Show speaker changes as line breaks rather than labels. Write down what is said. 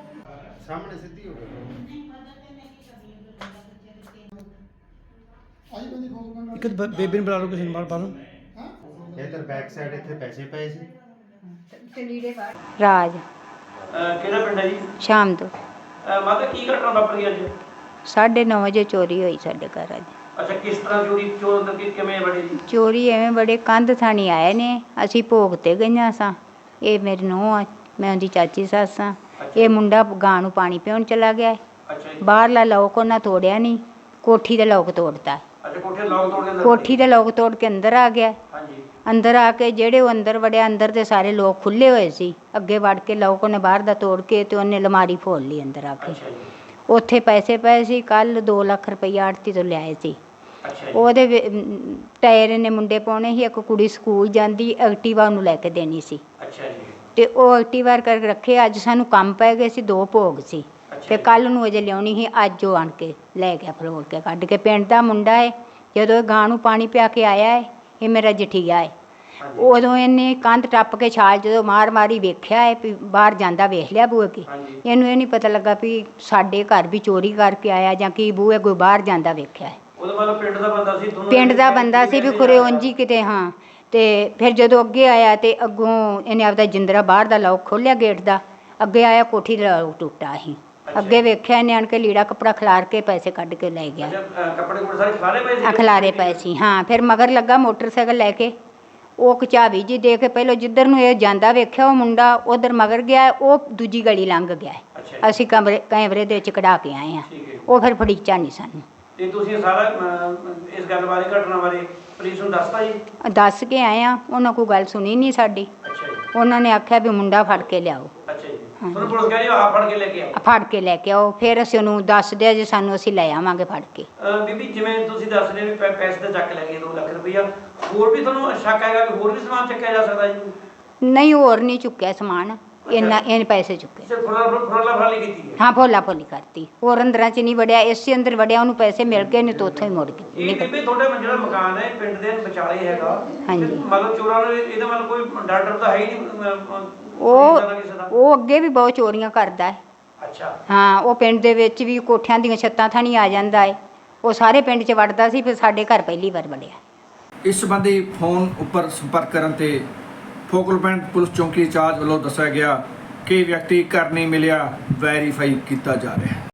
सामने सीधी हो गई।
ਇੱਕ ਬੇਬੀ ਨੂੰ ਬੁਲਾ ਲਓ, ਕਿਸੇ ਨੂੰ ਬਾਹਰ ਪਾ ਲਓ।
इधर बैक साइड इतने पैसे पे सी।
ਰਾਜ
ਕਿਹੜਾ ਪਿੰਡ ਹੈ ਜੀ?
ਸ਼ਾਮ ਤੋਂ
ਮਾਤਾ ਕੀ ਘਟਨਾ ਵਾਪਰੀ ਅੱਜ?
9:30 ਵਜੇ ਚੋਰੀ ਹੋਈ ਸਾਡੇ ਘਰ ਅੱਜ।
ਅੱਛਾ, ਕਿਸ ਤਰ੍ਹਾਂ ਚੋਰੀ ਚੋਰ ਕਿਵੇਂ ਬੜੇ ਜੀ?
ਚੋਰੀ ਐਵੇਂ ਬੜੇ ਕੰਧ ਥਾਣੀ ਆਏ ਨੇ, ਅਸੀਂ ਭੋਗ ਤੇ ਗਈਆਂ ਸਾਂ। ਇਹ ਮੇਰੀ ਨੂੰਹ ਆ, ਮੈਂ ਉਹਦੀ ਚਾਚੀ ਸੱਸ ਆ। ਇਹ ਮੁੰਡਾ ਗਾਂ ਨੂੰ ਪਾਣੀ ਪਿਉਣ ਚਲਾ ਗਿਆ।
ਅੱਛਾ ਜੀ।
ਬਾਹਰਲਾ ਲੋਕ ਉਹਨਾਂ ਤੋੜਿਆ ਨਹੀਂ, ਕੋਠੀ ਦਾ ਲੋਕ ਤੋੜਤਾ।
ਅੱਛਾ, ਕੋਠੇ ਲੋਕ ਤੋੜ ਕੇ
ਕੋਠੀ ਦਾ ਲੋਕ ਤੋੜ ਕੇ ਅੰਦਰ ਆ ਗਿਆ।
ਹਾਂਜੀ।
ਅੰਦਰ ਆ ਕੇ ਜਿਹੜੇ ਉਹ ਅੰਦਰ ਵੜਿਆ, ਅੰਦਰ ਦੇ ਸਾਰੇ ਲੋਕ ਖੁੱਲੇ ਹੋਏ ਸੀ। ਅੱਗੇ ਵੜ ਕੇ ਲੋਕ ਉਹਨੇ ਬਾਹਰ ਦਾ ਤੋੜ ਕੇ ਤੇ ਉਹਨੇ ਅਲਮਾਰੀ ਫੋਲ ਲਈ ਅੰਦਰ ਆ ਕੇ।
ਅੱਛਾ ਜੀ।
ਉੱਥੇ ਪੈਸੇ ਪਏ ਸੀ। ਕੱਲ 2 ਲੱਖ ਰੁਪਈਆ ਆੜਤੀ ਤੋਂ ਲਿਆਏ ਸੀ।
ਅੱਛਾ ਜੀ।
ਉਹਦੇ ਟਾਇਰ ਨੇ ਮੁੰਡੇ ਪਾਉਣੇ ਸੀ। ਇੱਕ ਕੁੜੀ ਸਕੂਲ ਜਾਂਦੀ, ਐਕਟੀਵਾ ਉਹਨੂੰ ਲੈ ਕੇ ਦੇਣੀ ਸੀ।
ਅੱਛਾ ਜੀ।
ਤੇ ਉਹ ਐਕਟੀਵਾ ਕਰਕੇ ਰੱਖੇ। ਅੱਜ ਸਾਨੂੰ ਕੰਮ ਪੈ ਗਏ ਸੀ, 2 ਭੋਗ ਸੀ ਤੇ ਕੱਲ ਨੂੰ ਅਜੇ ਲਿਆਉਣੀ ਸੀ। ਅੱਜ ਉਹ ਆਣ ਕੇ ਲੈ ਗਿਆ, ਫਲੋਰ ਕੇ ਕੱਢ ਕੇ। ਪਿੰਡ ਦਾ ਮੁੰਡਾ ਹੈ। ਜਦੋਂ ਇਹ ਗਾਂ ਨੂੰ ਪਾਣੀ ਪਿਆ ਕੇ ਆਇਆ ਹੈ, ਇਹ ਮੇਰਾ ਜਠੀਆ ਹੈ। ਉਦੋਂ ਇਹਨੇ ਕੰਧ ਟੱਪ ਕੇ ਛਾਲ ਜਦੋਂ ਮਾਰੀ ਵੇਖਿਆ ਹੈ ਵੀ ਬਾਹਰ ਜਾਂਦਾ, ਵੇਖ ਲਿਆ ਬੂਹੇ ਕੇ। ਇਹਨੂੰ ਇਹ ਨਹੀਂ ਪਤਾ ਲੱਗਾ ਵੀ ਸਾਡੇ ਘਰ ਵੀ ਚੋਰੀ ਕਰਕੇ ਆਇਆ ਜਾਂ ਕੀ ਬੂਹੇ ਕੋਈ ਬਾਹਰ ਜਾਂਦਾ ਵੇਖਿਆ ਹੈ।
ਉਹਦੇ ਮਤਲਬ ਪਿੰਡ ਦਾ ਬੰਦਾ ਸੀ?
ਪਿੰਡ ਦਾ ਬੰਦਾ ਸੀ ਵੀ ਖੁਰੇ ਉਂਝ ਕਿਤੇ। ਹਾਂ। ਤੇ ਫਿਰ ਜਦੋਂ ਅੱਗੇ ਆਇਆ ਤੇ ਅੱਗੋਂ ਇਹਨੇ ਆਪਦਾ ਜਿੰਦਰਾ ਬਾਹਰ ਦਾ ਲੋਕ ਖੋਲ੍ਹਿਆ ਗੇਟ ਦਾ। ਅੱਗੇ ਆਇਆ, ਕੋਠੀ ਦਾ ਲੋਕ ਟੁੱਟਾ ਸੀ। ਅੱਗੇ ਵੇਖਿਆ ਇਹਨੇ ਆਣ ਕੇ ਲੀੜਾ ਕੱਪੜਾ ਖਿਲਾਰ ਕੇ ਪੈਸੇ ਕੱਢ ਕੇ ਲੈ ਗਿਆ।
ਕੱਪੜੇ ਕੋਲ ਸਾਰੇ ਖਿਲਾਰੇ ਪਏ ਸੀ?
ਖਿਲਾਰੇ ਪਏ ਸੀ। ਹਾਂ। ਫਿਰ ਮਗਰ ਲੱਗਾ ਮੋਟਰਸਾਈਕਲ ਲੈ ਕੇ। ਉਹ ਕਚਾਬੀ ਜੀ ਦੇ ਕੇ ਪਹਿਲਾਂ ਜਿੱਧਰ ਨੂੰ ਇਹ ਜਾਂਦਾ ਵੇਖਿਆ ਉਹ ਮੁੰਡਾ, ਉਧਰ ਮਗਰ ਗਿਆ। ਉਹ ਦੂਜੀ ਗਲੀ ਲੰਘ ਗਿਆ। ਅਸੀਂ ਕੈਮਰੇ ਦੇ ਵਿੱਚ ਕਢਾ ਕੇ ਆਏ ਹਾਂ। ਉਹ ਫਿਰ ਫੜੀਚਾ ਨਹੀਂ ਸਾਨੂੰ।
ਤੇ ਤੁਸੀਂ ਸਾਰਾ ਇਸ ਗੱਲ ਬਾਰੇ, ਘਟਨਾ ਬਾਰੇ ਪੁਲਿਸ ਨੂੰ ਦੱਸਤਾ ਜੀ?
ਦੱਸ ਕੇ ਆਏ ਹਾਂ। ਉਹਨਾਂ ਕੋਈ ਗੱਲ ਸੁਣੀ ਨਹੀਂ ਸਾਡੀ।
ਅੱਛਾ ਜੀ।
ਉਹਨਾਂ ਨੇ ਆਖਿਆ ਵੀ ਮੁੰਡਾ ਫੜ ਕੇ ਲਿਆਓ।
ਅੱਛਾ ਜੀ। ਤੁਹਾਨੂੰ ਪੁਲਿਸ ਕਹਿੰਦੀ ਆਪ ਫੜ ਕੇ ਲੈ ਕੇ ਆਓ?
ਫੜ ਕੇ ਲੈ ਕੇ ਆਓ। ਫਿਰ ਅਸੀਂ ਉਹਨੂੰ ਦੱਸ ਦਿਆ ਜੇ ਸਾਨੂੰ, ਅਸੀਂ ਲੈ ਆਵਾਂਗੇ ਫੜ ਕੇ।
ਬੀਬੀ, ਜਿਵੇਂ ਤੁਸੀਂ ਦੱਸ ਰਹੇ ਵੀ ਪੈਸੇ ਤਾਂ ਚੱਕ ਲੈ ਗਏ 2 ਲੱਖ ਰੁਪਈਆ, ਹੋਰ ਵੀ ਤੁਹਾਨੂੰ ਸ਼ੱਕ ਹੈਗਾ ਕਿ ਹੋਰ ਵੀ ਸਮਾਨ ਚੱਕਿਆ ਜਾ ਸਕਦਾ ਜੀ?
ਨਹੀਂ, ਹੋਰ ਨਹੀਂ ਚੁੱਕਿਆ ਸਮਾਨ। ਇਹਨੇ ਪੈਸੇ ਚੁੱਕੇ।
ਸਿਰਫ ਫੁਰਲਾ ਫਰਾਲੀ ਕੀਤੀ ਹੈ?
ਹਾਂ, ਭੋਲਾ ਭੋਲੀ ਕਰਤੀ। ਹੋਰ ਅੰਦਰਾਂ 'ਚ ਨਹੀਂ ਵੜਿਆ, ਇਸੇ ਅੰਦਰ ਵੜਿਆ। ਉਹਨੂੰ ਪੈਸੇ ਮਿਲ ਗਏ ਨੇ ਤਾਂ ਉੱਥੋਂ ਹੀ ਮੁੜ ਗਏ।
ਇਹ ਬੀਬੀ ਤੁਹਾਡਾ ਜਿਹੜਾ ਮਕਾਨ ਹੈ ਪਿੰਡ ਦੇ ਵਿਚਾਲੇ ਹੈਗਾ।
ਹਾਂਜੀ।
ਮਤਲਬ ਚੋਰਾਂ ਨੂੰ ਇਹਦਾ ਮਤਲਬ ਕੋਈ ਡਰ ਤਾਂ ਹੈ ਹੀ ਨਹੀਂ?
ਉਹ ਅੱਗੇ ਵੀ ਬਹੁਤ ਚੋਰੀਆਂ ਕਰਦਾ ਹੈ।
ਅੱਛਾ।
ਹਾਂ। ਉਹ ਪਿੰਡ ਦੇ ਵਿੱਚ ਵੀ ਕੋਠਿਆਂ ਦੀਆਂ ਛੱਤਾਂ ਥਾਣੀ ਆ ਜਾਂਦਾ ਹੈ। ਉਹ ਸਾਰੇ ਪਿੰਡ 'ਚ ਵੜਦਾ ਸੀ, ਫਿਰ ਸਾਡੇ ਘਰ ਪਹਿਲੀ ਵਾਰ ਵੜਿਆ।
ਇਸ ਸੰਬੰਧੀ ਫੋਨ ਉੱਪਰ ਸੰਪਰਕ ਕਰਨ ਤੇ ਫੋਕਲ ਪੁਆਇੰਟ ਪੁਲਿਸ ਚੌਂਕੀ ਇੰਚਾਰਜ ਵੱਲੋਂ ਦੱਸਿਆ ਗਿਆ ਕਿ ਵਿਅਕਤੀ ਘਰ ਨਹੀਂ ਮਿਲਿਆ, ਵੈਰੀਫਾਈ ਕੀਤਾ ਜਾ ਰਿਹਾ ਹੈ।